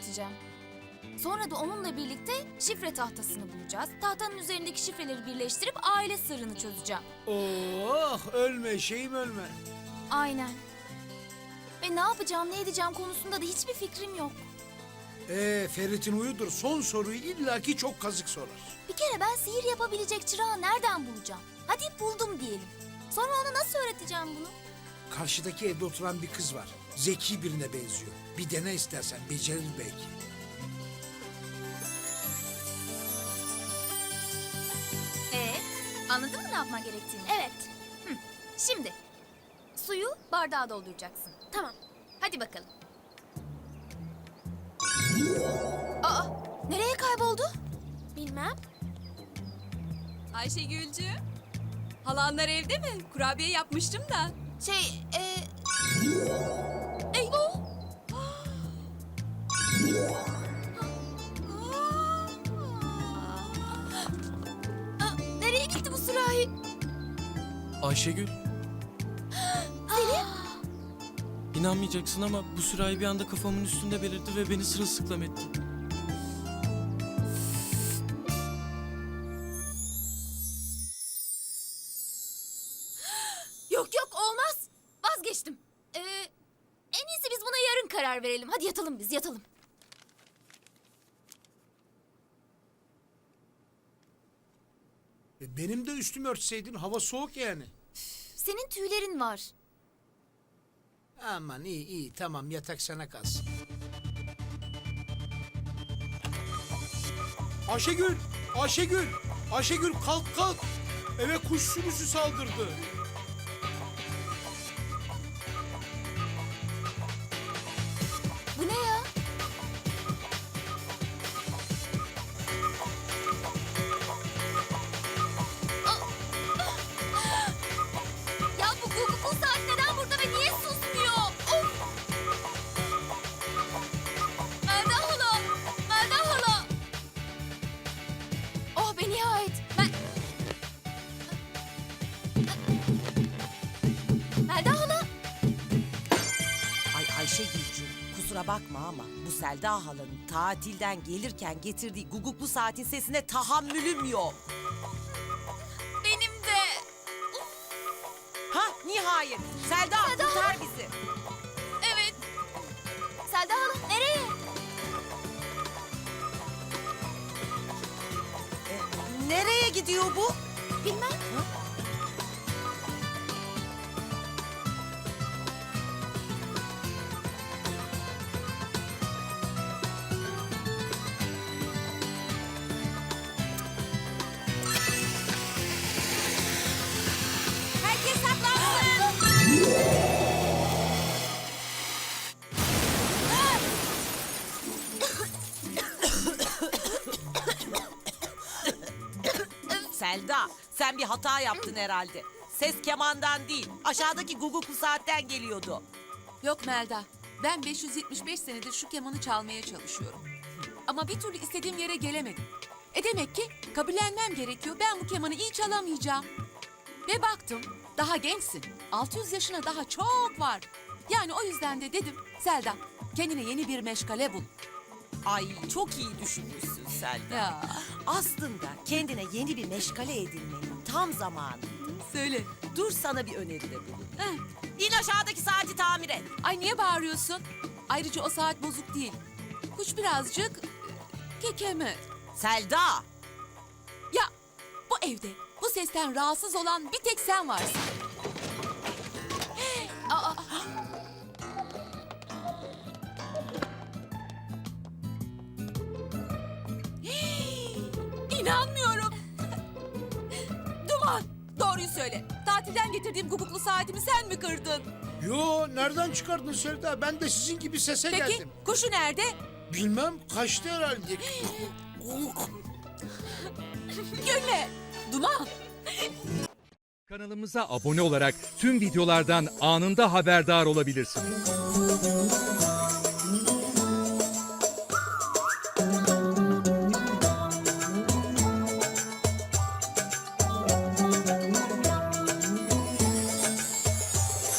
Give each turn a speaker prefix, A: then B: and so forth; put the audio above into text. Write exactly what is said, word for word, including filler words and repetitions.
A: öğreteceğim. Sonra da onunla birlikte şifre tahtasını bulacağız. Tahtanın üzerindeki şifreleri birleştirip aile sırrını çözeceğim.
B: Oh, ölme şeyim ölme.
A: Aynen. Ve ne yapacağım, ne edeceğim konusunda da hiçbir fikrim yok.
B: Ee, Ferit'in huyudur. Son soruyu illaki çok kazık sorar.
A: Bir kere ben sihir yapabilecek çırağı nereden bulacağım? Hadi buldum diyelim. Sonra ona nasıl öğreteceğim bunu?
B: Karşıdaki evde oturan bir kız var. Zeki birine benziyor. Bir dene istersen, becerir belki.
A: Ee, anladın mı ne yapman gerektiğini? Evet. Hı. Şimdi suyu bardağa dolduracaksın. Tamam. Hadi bakalım. Aa, nereye kayboldu? Bilmem.
C: Ayşegülcüğüm, halanlar evde mi? Kurabiye yapmıştım da.
A: Şey, e...
C: Eyvah!
A: Aa, nereye gitti bu sürahi?
D: Ayşegül,
A: Selim?
D: inanmayacaksın ama bu sürahi bir anda kafamın üstünde belirdi ve beni sırılsıklam etti.
A: Yok yok olmaz. Vazgeçtim. Ee, en iyisi biz buna yarın karar verelim. Hadi yatalım biz yatalım.
B: E, benim de üstümü örtseydin, hava soğuk yani.
A: Senin tüylerin var.
B: Aman iyi iyi, tamam, yatak sana kalsın. Ayşegül! Ayşegül! Ayşegül kalk kalk! Eve kuş sürüsü saldırdı.
A: Bu ne ya? Ya bu Google bu saat neden burada ve niye susmuyor? Of! Melda hala! Melda hala! Oh be nihayet! Ben... Melda hala!
E: Ay Ayşegülcüğüm, kusura bakma ama bu Selda halanın tatilden gelirken getirdiği guguklu saatin sesine tahammülüm yok.
A: Benim de!
E: Ha nihayet. Selda,
A: Selda
E: kurtar
A: hala.
E: bizi.
A: Evet. Selda hala nereye?
E: E, nereye gidiyor bu?
A: Bilmem.
E: Herkes saklansın. Selda, sen bir hata yaptın herhalde. Ses kemandan değil, aşağıdaki guguklu saatten geliyordu.
C: Yok Melda, ben beş yüz yetmiş beş senedir şu kemanı çalmaya çalışıyorum. Ama bir türlü istediğim yere gelemedim. E demek ki kabullenmem gerekiyor. Ben bu kemanı iyi çalamayacağım. Ve baktım, daha gençsin. altı yüz yaşına daha çok var. Yani o yüzden de dedim, Selda, kendine yeni bir meşgale bul.
E: Ay çok iyi düşünmüşsün Selda.
C: Ya,
E: Aslında kendine yeni bir meşgale edinmenin tam zamanı.
C: söyle.
E: Dur sana bir öneride bulun.
C: Heh.
E: İn aşağıdaki saati tamir et.
C: Ay niye bağırıyorsun? Ayrıca o saat bozuk değil. Kuş birazcık e, kekeme.
E: Selda!
C: Ya bu evde bu sesten rahatsız olan bir tek sen varsın. Aa, İnanmıyorum. Duman, doğruyu söyle. Tatilden getirdiğim guguklu saatimi sen mi kırdın?
B: Yo, nereden çıkardın Selda? Ben de sizin gibi sese
C: Peki
B: geldim.
C: kuşu nerede?
B: Bilmem, kaçtı herhalde.
C: Gülme. Duman.
F: Kanalımıza abone olarak tüm videolardan anında haberdar olabilirsiniz.